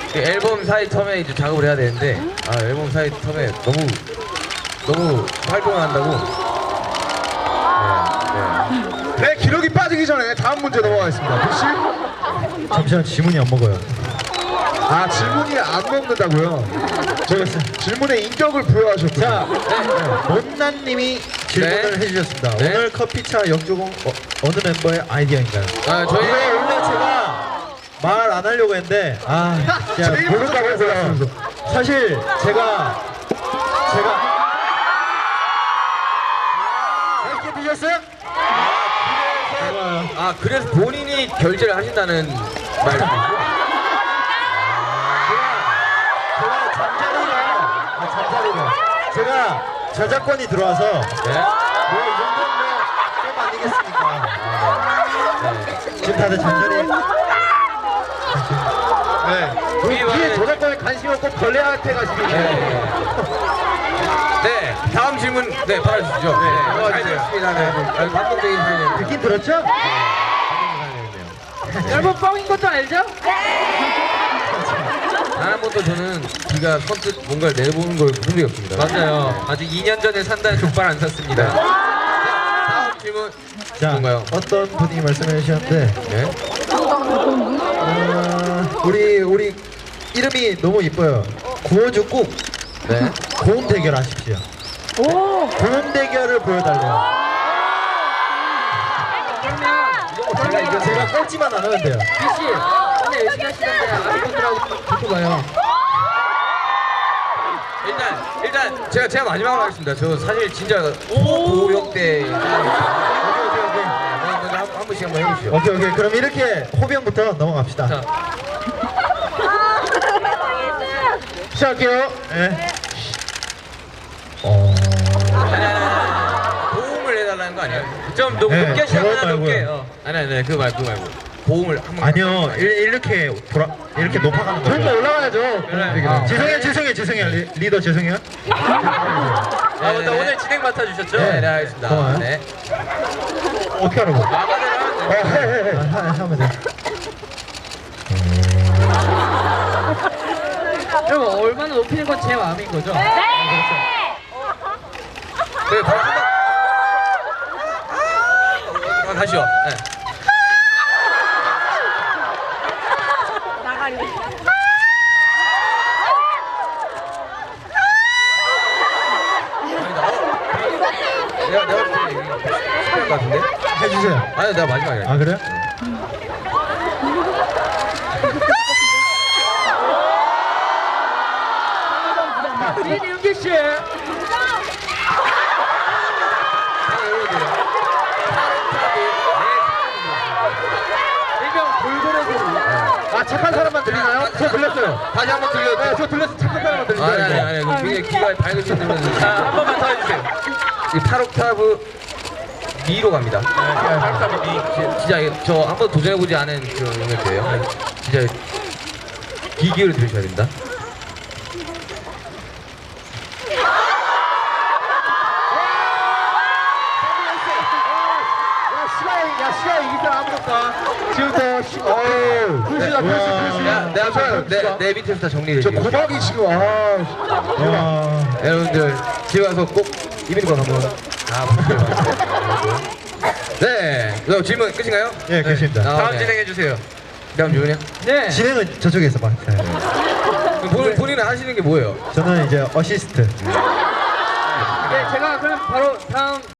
앨범 사이 텀에 이제 작업을 해야 되는데 앨범 사이 텀에 너무 활동을 한다고. 네, 기록이 빠지기 전에 다음 문제 넘어가겠습니다. 부씨. 잠시만 질문이 안 먹어요. 아, 질문이 안 먹는다고요? 제가 질문에 인격을 부여하셨군요. 자, 못난님이 질문을 네. 해주셨습니다. 네. 오늘 커피차 역조공 어느 멤버의 아이디어인가요? 저희 이거 원래 제가 말 안 하려고 했는데 제가 제일 모른다고 먼저 해서요. 사실 제가 맛있게 드셨어요? 그래서 본인이 결제를 하신다는 말씀이시죠? 잠자리가 제가 저작권이 들어와서 네. 뭐 이 정도는 좀 아니겠습니까? 지금 다들 잠자리 네. 뒤에 저작권에 관심이 없고 걸레한테 가시면 네, 다음 질문 받아주시죠. 잘 들었습니다. 아주 감동적인 사연이에요. 듣긴 들었죠? 여러분 뻥인 것도 알죠? 단 한 번도 저는 비가 선뜻 뭔가를 내보는 걸 본 적이 없습니다. 맞아요. 아직 2년 전에 산다는 족발 안 샀습니다. 다음 질문 자, 뭔가요? 어떤 분이 말씀해 주셨는데 네. 우리 이름이 너무 이뻐요. 구워주 꾹 네. 고음 대결 하십시오. 고음 대결을 보여달래요. 제가 꼴찌만 안 하면 돼요. 비씨 오늘 열심히 하시는데 아이분들하고 붙어봐요. 일단 제가 마지막으로 하겠습니다. 저 사실 진짜 고역대 한 분씩 한번 해보시죠. 오케이. 그럼 이렇게 호병부터 넘어갑시다. 자. 시작할게요. 네. 고음을 해달라는 거 아니에요? 좀 네, 높게 저거 시작하나 높게. 말고요. 아니 그거 말고 고음을 한번 아니요, 이렇게 높아가는 거죠. 좀더 올라가야죠. 죄송해요. 리더 죄송해요. 맞다. 오늘 진행 맡아주셨죠? 네, 알겠습니다. 고마워요. 네. 어떻게 하라고? 마마대로 하면 돼. 하면 돼. 여러분 얼마나 높이는 건 제 마음인 거죠? 네, 바로 다시요. 네. 내가 볼때 실패할 것 같은데? 해주세요. 아니 내가 마지막이야. 아 그래요? 이윤기 씨. 일명 골고루. 아 착한 사람만 들리나요? 저 들렸어요. 다시 한번 들려도 저 들렸어. 착한 사람만 들리나요? 아니 굉장히 귀가 밝으신 분은 자, 한 번만 더 해주세요. 이 8옥타브 미로 갑니다. 8옥타브 미. 진짜 저 한 번 도전해보지 않은 그런 음역대예요. 진짜 귀 기울여 들으셔야 됩니다. 시간 이길 사람 아무도 없다. 지금부터 글씨다 내 밑에서 다 정리를 저 해드릴게요. 고막이 지금 여러분들 집에 가서 꼭 이민권 한번 다 보세요. 네, 그럼 질문 끝인가요? 예, 계십니다. 다음 진행해주세요. 다음 질문이요? 네. 진행은 저쪽에서 맡아요. 본인은 하시는 게 뭐예요? 저는 이제 어시스트. 네, 제가 그럼 바로 다음